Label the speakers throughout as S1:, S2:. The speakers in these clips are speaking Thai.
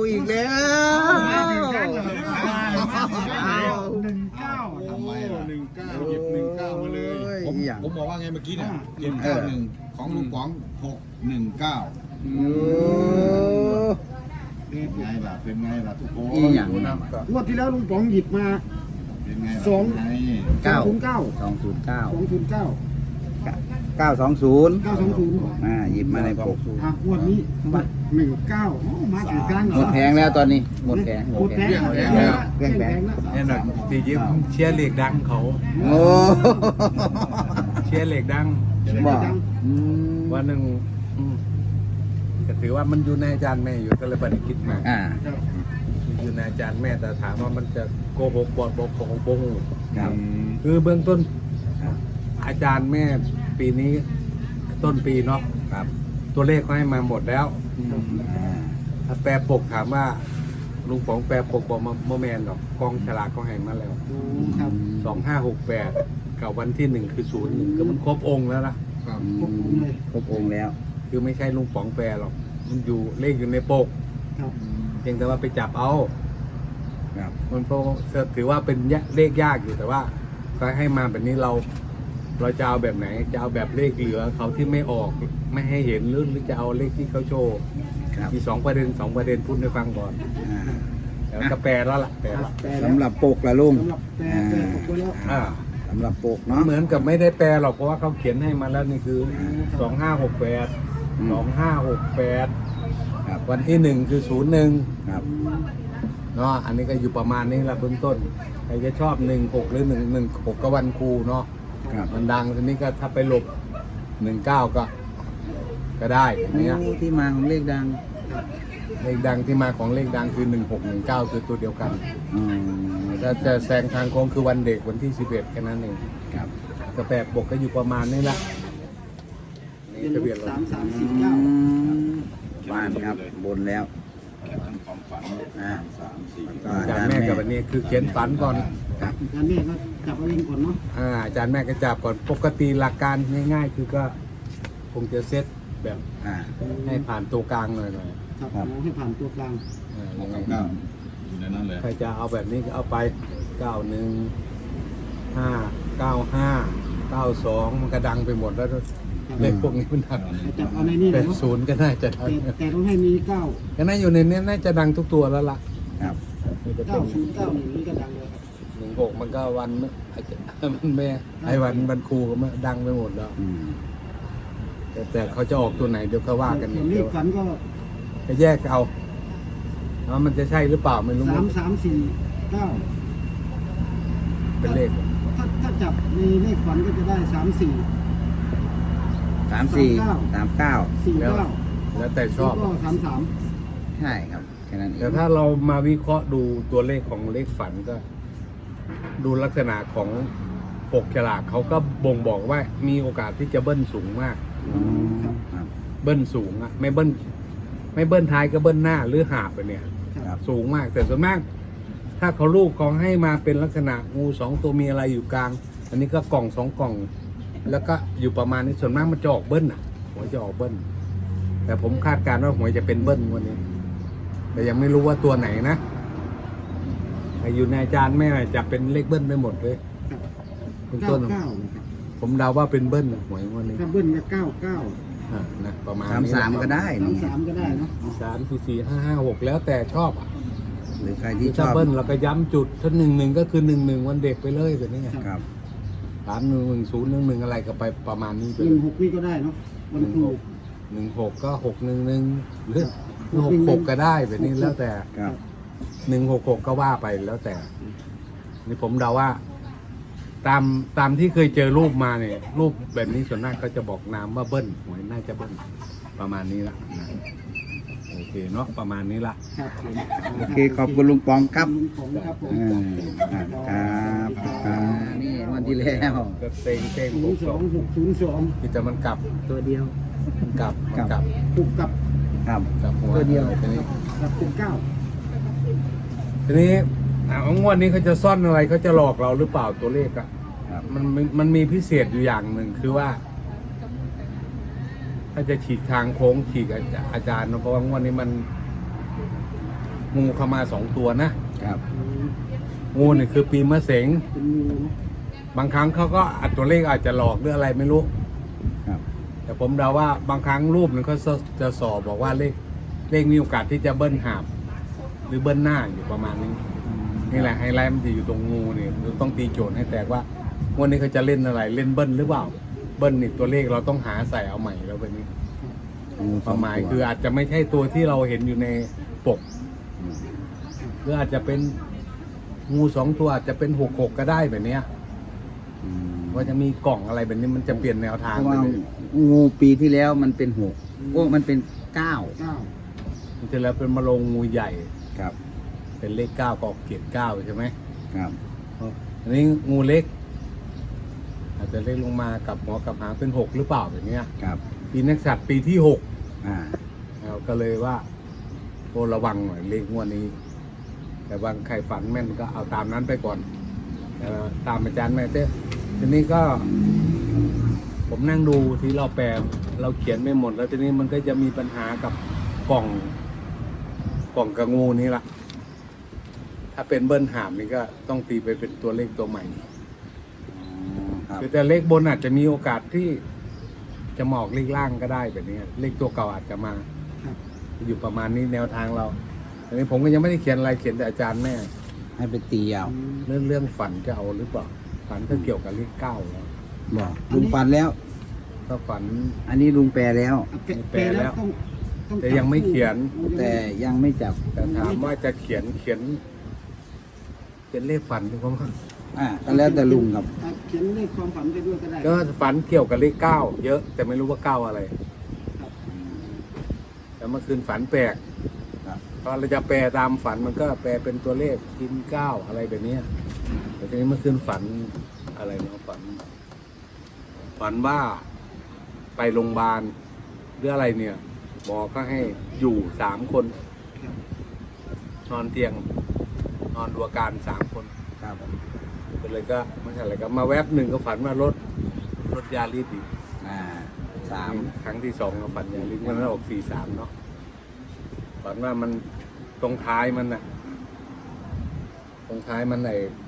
S1: อีกแล้ว
S2: 19
S3: ทำไมล่ะ19หยิบ19มาเลยผมบอกว่าไงเมื่อกี้เนี่ยเกม91ของลุงป๋อง619เป็นไงล่ะทุกคน
S1: อีอย่างนะ
S2: งวดที่แล้วลุงป๋องหยิบมา
S3: เป็นไงล่ะ
S2: 209
S1: 920
S2: 920
S1: หยิบมาในปก
S2: งวดนี้19มาถึงกลาง
S1: หมดแพงแล้วตอนนี้หมดแพง
S2: หมดแพงแล้ว
S4: เนี่ยนะตียิ้มเชียร์เหล็กดังเขา
S1: โอ้
S4: เชียร์เหล็กดัง
S1: บอก
S4: วันหนึ่งก็ถือว่ามันอยู่ในอาจารย์แม่อยู่ก็เลยบันคิดมา อยู่ในอาจารย์แม่แต่ถามว่ามันจะโกหกบอดบอกของบง
S1: ครับ
S4: คือเบื้องต้นอาจารย์แม่ปีนี้ต้นปีเนาะ
S1: ครับ
S4: ตัวเลขเขาให้มาหมดแล้วถ้าแปรปกถามว่าลุงป๋องแปรปกบอกมาโมแมนหรอกกองฉลากเขาให้มาแล้ว
S2: ครับ
S4: 2568กับวันที่1คือ01ก็มันครบองค์แล้วนะ
S1: ครบองค์แล้ว
S4: คือไม่ใช่ลุงป๋องแปรหรอกมันอยู่เลขอยู่ในปก
S2: ครับ
S4: เพียงแต่ว่าไปจับเอา
S1: ครับ
S4: มันก็ถือว่าเป็นเลขยากอยู่แต่ว่าก็ให้มาแบบนี้เราจะเอาแบบไหนจะเอาแบบเลขเหลือเขาที่ไม่ออกไม่ให้เห็นหรือจะเอาเลขที่เขาโชว์
S1: ครับ
S4: มี2 ประเด็นพูดให้ฟังก่อนแล้วก็แปลแล้วล่ะแปลแล้ว
S1: สำหรับปกละลุง
S2: สำหรับแปลปกไว้แล้ว
S1: สำหรับปกเนาะ
S4: เหมือนกับไม่ได้แปลหรอกเพราะว่าเขาเขียนให้มาแล้วนี่คือ2568 2568
S1: ครับ
S4: วันที่1คือ01
S1: ครับ
S4: เนาะอันนี้ก็อยู่ประมาณนี้แหละเบื้องต้นใครจะชอบ16หรือ116ก็วันครูเนาะ
S1: ครับ
S4: มันดังทีนี้ก็ถ้าไปหลบ19ก็ได้อย่างเงี้ย
S1: ที่มาของเลขดัง
S4: เลขดังที่มาของเลขดังคือ1619คือตัวเดียวกัน
S1: อืม
S4: ถ้าจะแซงทางโค้งคือวันเด็กวันที่11แค่นั้นเอง
S1: ครับ
S4: กระแปบกก็อยู่ประมาณนี้แหละนี่
S2: เป็น
S4: ทะเบียนรถ
S2: 3349
S1: บ้านครับบนแล้ว
S3: แค่ทั้งความฝัน3 4
S4: อาจารย์แม่กับวันนี้คือเขียนฝันก่อน
S1: ครับ
S2: อาจารย์แม่ก็จับเอาเองก่อนเนาะ
S4: อาจารย์แม่ก็จับก่อนปกติหลักการง่ายๆ คือก็คงจะเซตแบบ ให้ผ่านตัวกลางหน่อย
S2: ครับให้ผ่านตัวกลาง
S4: ยังไง
S3: 6 9อยู่ในนั้นเลย
S4: ใครจะเอาแบบนี้ก็เอาไป 91 595 92มันก็ดังไปหมดแล้วเลขพวกนี้มันดัง
S2: จับเอาในนี่เลยเนาะ
S4: 80ก็น่าจะดัง
S2: แต่ต้องให้มี9
S4: ก็น่าอยู่ในนี้น่าจะดังทุกตัวแล้วล่ะ
S1: ครับ
S4: มันจะเป็น
S2: 9091นี่ก็ดังเลยครับ
S4: 16มันก็วันอาจจะมันแม่ไอ้วันครูก็มันดังไปหมดแล้ว
S1: อืม
S4: แต่เขาจะออกตัวไหนเดี๋ยวก็ว่ากัน
S2: ส่วนเล
S4: เดี๋ย
S2: ข
S4: ว
S2: ฝันก็
S4: จะแยกเอาว่ามันจะใช่หรือเปล่าไม่รู้
S2: 3349
S4: เป็นเลข
S2: ถ้าจับในเลขฝันก็จะได้34
S1: 34 39
S4: แล้ว
S2: 49
S4: แล้วแต่ชอบ
S2: แล้วก็33
S1: ใช่ครับแค่นั้นเอ
S4: แต่
S1: ง
S4: ถ้าเรามาวิเคราะห์ดูตัวเลขของเลขฝันก็ ดูลักษณะของปกฉลากเขาก็บ่งบอกว่ามีโอกาสที่จะเบิ้ลสูงมาก
S1: ครับ
S4: เบิ้ลสูงอะไม่เบิ้ลท้ายก็เบิ้ลหน้าหรือหาบไปเนี่ย
S1: ครับ
S4: สูงมาก แต่ส่วนมาก ถ้าเขาลูกของให้มาเป็นลักษณะงู2 ตัวมีอะไรอยู่กลาง อันนี้ก็กล่อง2 กล่อง แล้วก็อยู่ประมาณนี้ส่วนมากมันจะออกเบิ้ลอ่ะหวยจะออกเบิ้ลแต่ผมคาดการณ์ว่าหวยจะเป็นเบิ้ลวันนี้ แต่ยังไม่รู้ว่าตัวไหนนะแต่อยู่ในอาจารย์แม่จะเป็นเลขเบิ้ลไปหมดเลยเป็นต้น
S2: 99นะครับ
S4: ผมเดาว่าเป็นเบิ้ลหวยวันนี้
S2: ถ้าเบิ้ลก็99
S4: นะประมาณ
S1: 33ก็ได้นี่
S2: 33ก็ได้เนาะ
S4: 3 4 5 5 6แล้วแต่ชอบอ่ะ
S1: หรือใครที่ช
S4: ถ้า
S1: อบ
S4: เบิ้ลเราก็ย้ำจุดถ้า1 1ก็คือ1 1วันเด็กไปเลยแบบนี้ไง
S1: ครับ
S4: 3 1 1 0 1 1อะไรก็ไปประมาณนี้ไปเลย
S2: 16นี่ก็ได้เนาะวันครู
S4: 16ก็611หรือ66ก็ได้แบบนี้แล้วแต่
S1: ครับ
S4: 166ก็ว่าไปแล้วแต่ นี่ผมเดาว่า ตามที่เคยเจอรูปมาเนี่ย รูปแบบนี้ส่วนมากเขาจะบอกนามว่าเบิ้ลหวยน่าจะเบิ้ลประมาณนี้ละนะโอเคเนาะประมาณนี้ละ
S2: ครับผม
S1: โอเคขอบคุณลุงปองครับ
S2: ลุงป๋องครับผม
S1: ครับนี่วันที่แล้ว
S4: ก็เต็ง
S2: 02602
S4: ที่แต่มันกลับ
S1: ตัวเดียว
S4: กลับมันกลับ
S2: ถูกกับ
S1: ครับ
S4: กลับหัว
S1: ตัวเดียว
S4: ทีนี้
S2: กับเป็น9
S4: ทีนี้งวดนี้เขาจะซ่อนอะไรเขาจะหลอกเราหรือเปล่าตัวเลขอะ
S1: ครับ
S4: มันมีพิเศษอยู่อย่างหนึ่งคือว่า ถ้าจะฉีกทางโค้งฉีกอาจารย์เนอะเพราะว่างวดนี้งูเข้ามา2 ตัวนะครับ งูนี่คือปีมะเสง
S2: เป็นงูเนอะ
S4: บางครั้งเขาก็อัดตัวเลขอาจจะหลอกหรืออะไรไม่รู้
S1: ครับ
S4: แต่ผมเดาว่าบางครั้งรูปมันก็จะสอบบอกว่าเลขมีโอกาสที่จะเบิ้ลหาบหรือเบิ้ลหน้าอยู่ประมาณนี้นี่แหละไฮไลท์มันจะอยู่ตรงงูนี่เราต้องตีโจทย์ให้แตกว่าวันนี้เขาจะเล่นอะไรเล่นเบิ้ลหรือเปล่าเบิ้ลนี่ตัวเลขเราต้องหาใส่เอาใหม่แล้วแบบนี้
S1: งู
S4: ค
S1: ส
S4: วา
S1: อง
S4: มหมาย
S1: ตัว
S4: คืออาจจะไม่ใช่ตัวที่เราเห็นอยู่ในปก หรืออาจจะเป็นงู2 ตัวอาจจะเป็น6 ก็ได้แบบเนี้ย
S1: อืม
S4: ว่าจะมีกล่องอะไรแบบนี้มันจะเปลี่ยนแนวทาง
S1: เพราะ
S4: ไป
S1: ว่า
S4: เลย
S1: งูปีที่แล้วมันเป็น6โอ้มันเป็น9
S2: เก้า
S4: มันจะแล้วเป็นมาลงงูใหญ่
S1: ครับ
S4: เป็นเลข9ก็ออกเกียรติ9ใช่ไหม
S1: ครับ
S4: อันนี้งูเล็ก อาจจะเล็กลงมากับหัวกับหางเป็น6หรือเปล่าแบบเนี้ย
S1: ครับ
S4: ปีนักษัตริย์ปีที่6
S1: อ่า
S4: เราก็เลยว่าโอ้ระวังหน่อยเลขงวดนี้ แต่บางใครฝันแม่นก็เอาตามนั้นไปก่อนตามอาจารย์แม่เต้ทีนี้ก็ ผมนั่งดูที่เราแปลเราเขียนไม่หมดแล้วทีนี้มันก็จะมีปัญหากับกล่องกับงูนี่ละถ้าเป็นเบิ้ลหามนี่ก็ต้องตีไปเป็นตัวเลขตัวใหม่
S1: ครับ
S4: คือแต่เลขบนอาจจะมีโอกาสที่จะมาออกเลขล่างก็ได้แบบนี้เลขตัวเก่าอาจจะมา
S2: ครับ
S4: อยู่ประมาณนี้แนวทางเราอันนี้ผมก็ยังไม่ได้เขียนอะไรเขียนแต่อาจารย์แม่
S1: ให้ไปตีเอา
S4: เรื่องฝันจะเอาหรือเปล่าฝันก็เกี่ยวกับเลข9แล้ว
S1: บอกลุงฟันแล้ว
S4: ก็ฝัน
S1: อันนี้ลุงแปลแล้ว
S2: แปลแล้วต้อง
S4: แต่ยังไม่เขียน
S1: แต่ยังไม่จับ
S4: แต่ถามว่าจะเขียนเลขฝันหรือเปล่า
S1: ก็แล้วแต่ลุงครับ
S2: เขียนเลขความฝันไปด้วยก็ได้
S4: ก็ฝันเกี่ยวกับเลข9เยอะ แต่ไม่รู้ว่า9อะไร แต่เมื่อคืนฝันแปลก
S1: ครับ
S4: พอเราจะแปลตามฝันมันก็แปลเป็นตัวเลขกิน9อะไรแบบเนี้ยแต่ทีนี้เมื่อคืนฝันอะไรเนาะฝันว่าไปโรงพยาบาลหรืออะไรเนี่ยหมอก็ให้อยู่3 คน นอนเตียง นอนดูอาการ3 คน
S1: ครับ
S4: ก็เลยก็ไม่ใช่อะไรก็มาแวบหนึ่งก็ฝันว่ารถยาริสอีก
S1: 3
S4: ครั้งที่2ก็ฝันยาริสมันออก43เนาะฝันว่ามันตรงท้ายมันน่ะตรงท้ายมัน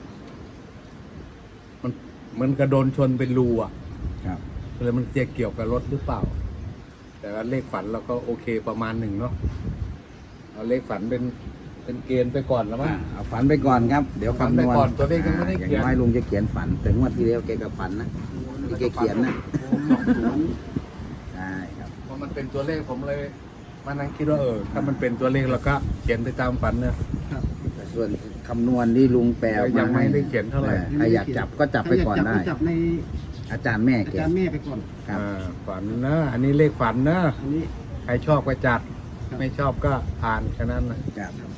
S4: มันเหมือนกระโดนชนเป็นรูอ่ะ
S1: ครับ
S4: เลยมันจะเกี่ยวกับรถหรือเปล่า แต่ว่าเลขฝันเราก็โอเคประมาณ1เนาะเอาเลขฝันเป็นเกณฑ์ไปก่อนแล้วมั้ง
S1: เอาฝันไปก่อนครับ เดี๋ยว
S4: ฝันไป
S1: คำนวณ
S4: ก่อนตัวเลขยังไม่ได้
S1: อย่าง
S4: เขียน
S1: น้อยลุงจะเขียนฝัน แต่งวดที่แล้วแกก็ฝันนะที่แกเขียนนะใช่ครับ
S4: พอมันเป็นตัวเลขผมเลยมานั่งคิดว่าถ้ามันเป็นตัวเลขเราก็เขียนไปตามฝันเนอะ
S1: แต่ส่วนคำนวณที่ลุงแปลออก
S4: ยั
S1: มาง
S4: ไม่ได้เขียนเท่าไหร่
S1: ใครอยากจับก็จับไปก่อนได้
S2: จับใน
S1: อาจารย์แม่
S2: อา
S1: แก
S2: จารย์แม่ไปก่อน
S1: ครับ
S4: ฝันนะอันนี้เลขฝันนะ
S2: อันนี้
S4: ใครชอบก็จัด ไม่ชอบก็ผ่านแค่นั้นนะ
S1: ครับ